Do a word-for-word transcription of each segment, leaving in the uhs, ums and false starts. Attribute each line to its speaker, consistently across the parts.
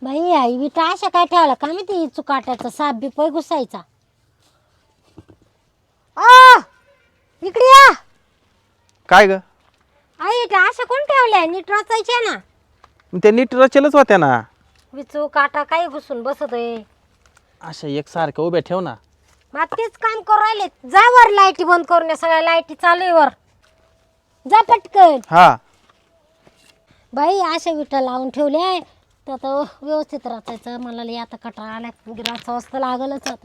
Speaker 1: By I विटा अशा काय ठेवला का मी ती चुकाट्याचा साप बी पै घुसायचा. आ इकडे या.
Speaker 2: काय ग?
Speaker 1: आई विटा अशा कोण ठेवल्या नीट रचायच्या ना.
Speaker 2: ते नीट रचेलच होत्या ना.
Speaker 1: विचू काटा काही घुसून बसत आहे.
Speaker 2: अशा एकसारख्या उभ्या ठेव ना.
Speaker 1: मग तेच काम करू राहिले. जा वर लाईटी बंद करून या सगळ्या लाईटी चालू आहे वर. जा पटकन.
Speaker 2: हा
Speaker 1: बाई अशा विटा लावून ठेवले आहे तर आता व्यवस्थित रचायचं. मला लई आता कटाळा आला. रचावं असतं लागलच आता.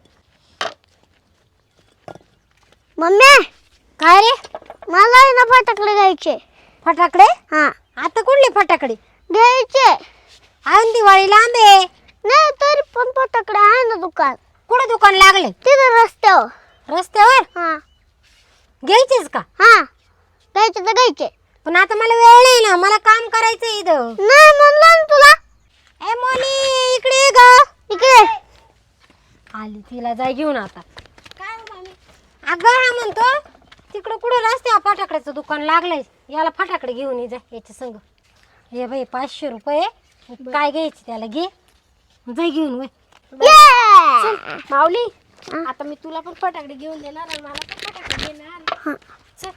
Speaker 3: मम्मी
Speaker 1: काय रे
Speaker 3: मला आहे ना फटाकडे घ्यायचे.
Speaker 1: फटाकडे?
Speaker 3: हा
Speaker 1: आता कुठले फटाकडे
Speaker 3: घ्यायचे.
Speaker 1: आन दिवाळी लांब आहे.
Speaker 3: नाही तरी पण फटाकडे आहे ना दुकान.
Speaker 1: कुठे दुकान लागले?
Speaker 3: तिथे रस्त्यावर.
Speaker 1: रस्त्यावर?
Speaker 3: हा
Speaker 1: घ्यायचेच का?
Speaker 3: हा घ्यायचे तर घ्यायचे.
Speaker 1: पण आता मला वेळ नाही ना. मला काम करायचं इथं.
Speaker 3: नाही म्हणलं ना तुला.
Speaker 1: ए मोनी इकडे ये ग.
Speaker 3: इकडे
Speaker 1: आली तिला जाय घेऊन आता. काय मामी? अगं हा म्हणतो तिकडं कुठं रस्त्यावर फटाकड्याचं दुकान लागलंय. याला फटाकडे घेऊन ये जा याच्या संग. हे बाई पाचशे रुपये काय घ्यायचे त्याला घे. जाय घेऊन वय.
Speaker 3: माऊली
Speaker 1: आता मी तुला पण फटाकडे घेऊन देणार आणि मला पण फटाकडे देणार. चल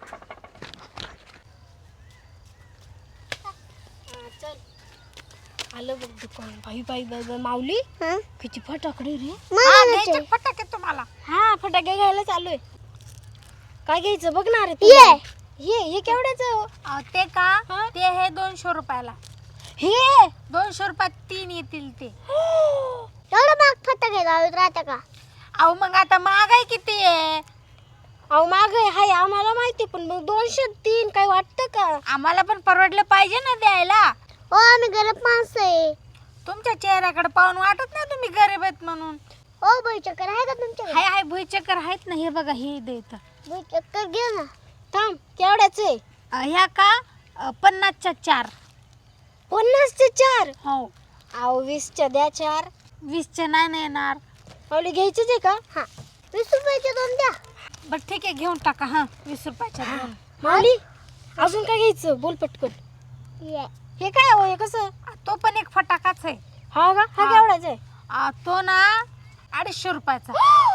Speaker 1: चल. आलं बघ दुकान. बाई बाई बाई बाई माऊली किती फटाकडे रे.
Speaker 3: फटाके तुम्हाला.
Speaker 1: हा फटाके घ्यायला चालू आहे. काय घ्यायचं बघणार आहे
Speaker 3: ये
Speaker 1: हे हे केवढ्याचं?
Speaker 4: ते का ते हे दोनशे रुपयाला.
Speaker 1: हे
Speaker 4: दोनशे रुपयात तीन येतील ते.
Speaker 3: एवढं महाग फटाके लावत राहता का?
Speaker 4: अहो मग आता महागाई किती आहे.
Speaker 1: अहो माग हाय आम्हाला माहिती पण मग दोनशे तीन काय वाटतं का?
Speaker 4: आम्हाला पण परवडलं पाहिजे ना द्यायला.
Speaker 3: हो आम्ही गरीब माणसं आहे.
Speaker 4: तुमच्या चेहऱ्याकडे पाहून वाटत नाही तुम्ही गरीब आहेत म्हणून.
Speaker 3: हो बाई चक्कर आहे का तुमच्याकडे?
Speaker 4: हाय हाय भुईचक्कर आहेत ना. हे बघा हे देत
Speaker 3: बाई चक्कर घे ना.
Speaker 1: थांब केवढ्याच आहे?
Speaker 4: ह्या का अ, पन्नासच्या चार.
Speaker 1: पन्नासचे चार?
Speaker 4: हो
Speaker 1: अहो वीसच्या द्या चार.
Speaker 4: वीसच्या नाही ना येणार.
Speaker 1: पावली घ्यायचीच आहे का?
Speaker 3: हा वीस रुपयाचे दोन द्या.
Speaker 4: बरं ठीक आहे घेऊन टाका. हा वीस रुपयाच्या दोन.
Speaker 1: माऊली अजून काय घ्यायचं बोल पटकन.
Speaker 3: ये
Speaker 1: हे काय हो हे कसं?
Speaker 4: तो पण एक फटाकाच आहे.
Speaker 1: हा का? हा
Speaker 4: हा.
Speaker 1: केवढ्याच आहे?
Speaker 4: अ, तो ना अडीचशे रुपयाचा.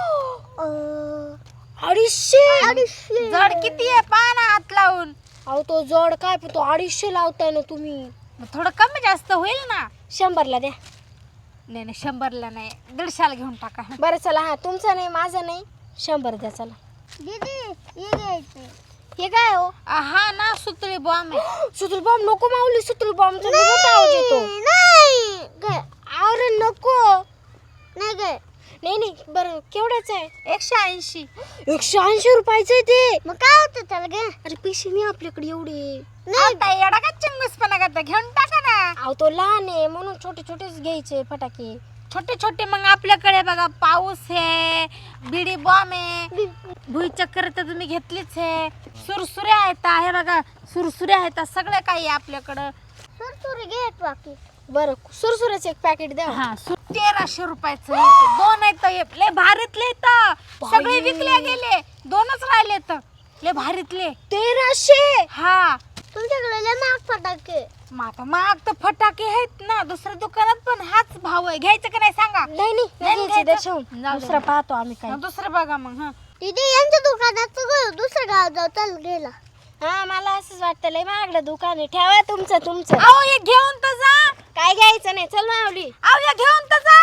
Speaker 3: अं,
Speaker 1: अडीचशे?
Speaker 3: अडीचशे.
Speaker 4: जड किती आहे पहा ना हात लावून.
Speaker 1: अहो तो जड काय पण तो अडीचशे लावताय ना तुम्ही.
Speaker 4: मग थोडं कमी जास्त होईल ना.
Speaker 1: शंभरला द्या.
Speaker 4: नाही नाही शंभरला नाही दीडशाला घेऊन टाका.
Speaker 1: बरं चला हा तुमचा नाही माझा नाही शंभर द्या चला.
Speaker 3: दीदी ये घ्यायचे.
Speaker 1: हे काय हो?
Speaker 4: अ, हा ना सुतळी बॉम्ब आहे.
Speaker 1: सुतुल बॉम्ब नको माऊली. सुतुल बॉम्बचा मोठा आवाज येतो.
Speaker 3: नाही घे.
Speaker 1: अरे नको.
Speaker 3: नाही घे.
Speaker 1: नाही नाही बरं केवढ्याच आहे?
Speaker 4: एकशे ऐंशी.
Speaker 1: एकशे ऐंशी रुपयाचं आहे ते.
Speaker 3: मग काय होतं त्याला घे.
Speaker 1: अरे पैसे नाही आपल्याकडे एवढे.
Speaker 4: आता एवढा का चिंगूसपणा करता घेऊन टाका ना.
Speaker 1: अहो तो लहान आहे म्हणून छोटे छोटेच घ्यायचे फटाके.
Speaker 4: छोटे छोटे मग आपल्याकडे बघा पाऊस आहे बिडी बॉम्ब आहे भुईचक्कर तर तुम्ही घेतलीच आहे. सुरसुऱ्या आहेत हे बघा सुरसुऱ्या आहेत सगळं काही आहे आपल्याकडं.
Speaker 3: सुरसुरी घे बाकी.
Speaker 1: बरं सुरसुऱ्याचं एक पॅकेट द्या.
Speaker 4: हा सु- तेराशे रुपयाचं आहे ते. दोन आहेत हे. लय भारीतले तर सगळे विकले गेले. दोनच राहिले तर लय भारीतले.
Speaker 1: तेराशे?
Speaker 4: हा
Speaker 3: तुमच्याकडे लय महाग फटाके.
Speaker 4: मग आता महाग तर फटाके आहेत ना. दुसऱ्या दुकानात पण हाच भाव आहे. घ्यायचं का नाही सांगा.
Speaker 1: नाही नाही
Speaker 4: नाही
Speaker 1: घ्यायचे
Speaker 4: घ्यायचं.
Speaker 1: दर्शवून.
Speaker 4: जाऊ दे.
Speaker 1: दुसरा पाहतो आम्ही काय.
Speaker 4: मग दुसरं बघा मग. हा
Speaker 3: दीदी यांच्या दुकानात गो दुसऱ्या गावात जाऊ चल गेला.
Speaker 1: हा मला असंच वाटतं लय महागडं दुकान आहे. ठेवा तुमचं तुमचं.
Speaker 4: अहो हे घेऊन तर जा.
Speaker 1: काय घ्यायचं नाही चल माऊली.
Speaker 4: अहो हे घेऊन तर जा.